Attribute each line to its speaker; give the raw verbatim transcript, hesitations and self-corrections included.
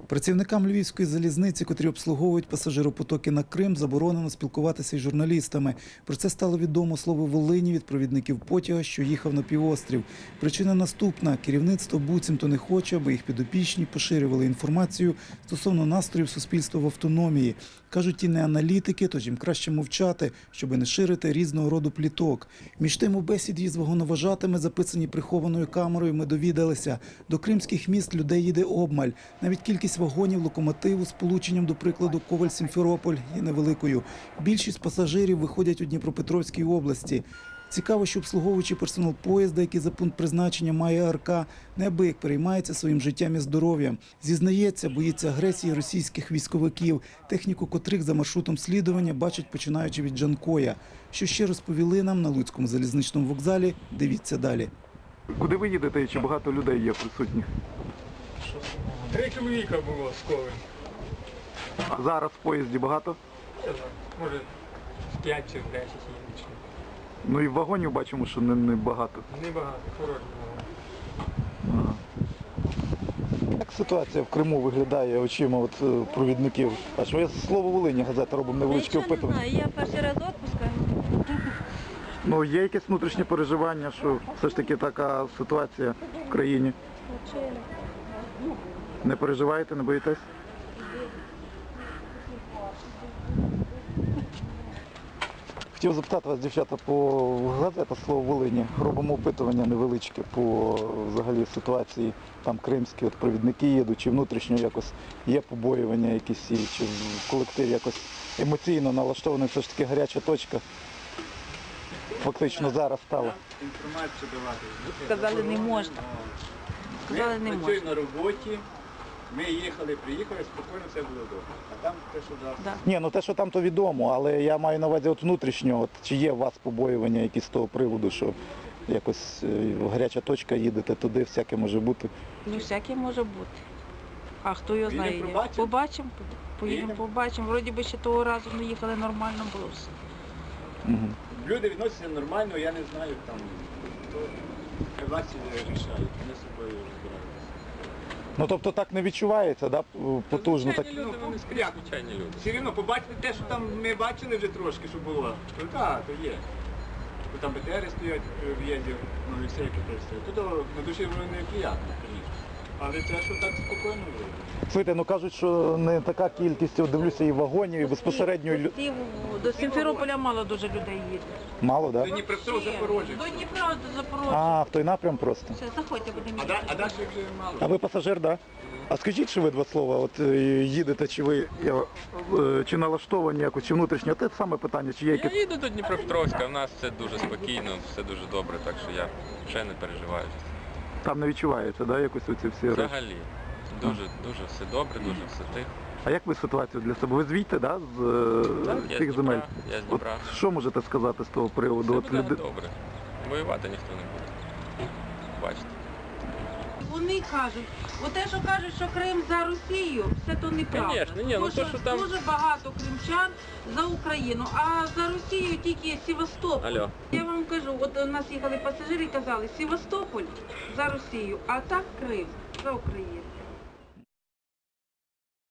Speaker 1: Працівникам Львівської залізниці, котрі обслуговують пасажиропотоки на Крим, заборонено спілкуватися із журналістами. Про це стало відомо слово Волині від провідників потяга, що їхав на півострів. Причина наступна. Керівництво буцімто не хоче, аби їх підопічні поширювали інформацію стосовно настроїв суспільства в автономії. Кажуть, ті не аналітики, тож їм краще мовчати, щоб не ширити різного роду пліток. Між тим, у бесіді з вагоноважатими, записані прихованою камерою, ми довідалися. До кримських міст людей їде обмаль. Навіть кількість вагонів локомотиву з полученням, до прикладу, Коваль-Сімферополь є невеликою. Більшість пасажирів виходять у Дніпропетровській області. Цікаво, що обслуговуючий персонал поїзда, який за пункт призначення має АРК, неабияк переймається своїм життям і здоров'ям. Зізнається, боїться агресії російських військовиків, техніку котрих за маршрутом слідування бачать, починаючи від Джанкоя. Що ще розповіли нам на Луцькому залізничному вокзалі, дивіться далі.
Speaker 2: Куди ви їдете і чи багато людей є присутніх?
Speaker 3: Три чоловіка було з Коваль.
Speaker 2: А зараз в поїзді багато?
Speaker 3: Може, п'ять чи десять є.
Speaker 2: Ну і вагонів бачимо, що не, не багато.
Speaker 3: Небагато, хороші
Speaker 2: Ага. Як ситуація в Криму виглядає очима от, е, провідників? А що я слово Волині газета робимо невеличке
Speaker 4: Нічого не
Speaker 2: опитування.
Speaker 4: знаю, я перший раз відпуска.
Speaker 2: Ну є якесь внутрішнє переживання, що все ж таки така ситуація в країні. Не переживаєте, не боїтесь? Хотів запитати вас, дівчата, по газета «Слово Волині». Робимо опитування невеличке по взагалі ситуації там кримські, от провідники їдуть, чи внутрішньо якось є побоювання якісь, і чи в колективі якось емоційно налаштована все ж таки гаряча точка. Фактично зараз стала.
Speaker 5: Інформацію давати.
Speaker 4: Сказали, не можна. Сказали, не
Speaker 5: Ми
Speaker 4: можна.
Speaker 5: працюємо на роботі, ми їхали, приїхали, спокійно все було добре. А там те, що дасть.
Speaker 4: Да.
Speaker 2: Ні, ну те, що там, то відомо, але я маю на увазі от внутрішньо, от, чи є у вас побоювання якісь з того приводу, що якось е, гаряча точка, їдете туди, всяке може бути.
Speaker 4: Ну, всяке може бути. А хто його
Speaker 5: Поїдемо,
Speaker 4: знає?
Speaker 5: побачимо.
Speaker 4: Побачимо, поїдемо,
Speaker 5: Поїдемо.
Speaker 4: побачимо. Вроді би ще того разу ми їхали, нормально було все.
Speaker 2: Угу.
Speaker 5: Люди відносяться нормально, я не знаю, там, хто власті рішають, вони з собою розбираються.
Speaker 2: Ну тобто так не відчувається, да, потужно? Так...
Speaker 5: Звичайні люди, вони скрять. Звичайні люди. Все рівно побачити те, що там ми бачили вже трошки, що було. То так, то є. Бо там БТРи стоять в в'їзді, ну і все, яке стоять. Тут на душі воно неприємно, звісно. Але це, що так спокійно було.
Speaker 2: Слухайте, ну кажуть, що не така кількість, от дивлюся, і вагонів, і безпосередньо... лю-
Speaker 4: Ті- До Сімферополя мало дуже людей їде.
Speaker 2: Мало,
Speaker 5: До
Speaker 2: так? Да?
Speaker 5: Дніпропетровськ, Запорожжя.
Speaker 4: До Дніпра, до Запорожжя.
Speaker 2: А, в той напрям просто.
Speaker 4: Все, заходьте, будемо
Speaker 5: А, да-
Speaker 4: їхати.
Speaker 5: а далі вже мало.
Speaker 2: А ви пасажир, так? Да? А скажіть, чи ви два слова, от е, їдете, чи ви е, е, чи налаштовані якось, чи внутрішньо? Те саме питання, чи є
Speaker 6: Я
Speaker 2: якесь...
Speaker 6: їду до Дніпропетровська, в нас все дуже спокійно, все дуже добре, так що я вже не переживаю.
Speaker 2: Там не відчуваєте, да, якось оці всі речі?
Speaker 6: Взагалі, дуже, дуже все добре, дуже все тихо.
Speaker 2: А як ви ситуацію для себе? Ви звідти, да, з е,
Speaker 6: Так, я
Speaker 2: цих
Speaker 6: з
Speaker 2: земель?
Speaker 6: Дніпра, я з
Speaker 2: От
Speaker 6: Дніпра.
Speaker 2: що можете сказати з того приводу?
Speaker 6: Все
Speaker 2: От
Speaker 6: буде
Speaker 2: люди-
Speaker 6: добре. Воювати ніхто не буде. Бачите.
Speaker 4: Вони кажуть, оте, що кажуть, що Крим за Росію, все то неправда.
Speaker 6: Конечно, ні, ну
Speaker 4: Тому
Speaker 6: то, що там-
Speaker 4: дуже багато кримчан за Україну, а за Росію тільки Севастополь.
Speaker 6: Алло.
Speaker 4: Я вам кажу, от у нас їхали пасажири і казали, Севастополь за Росію, а так Крим за Україну.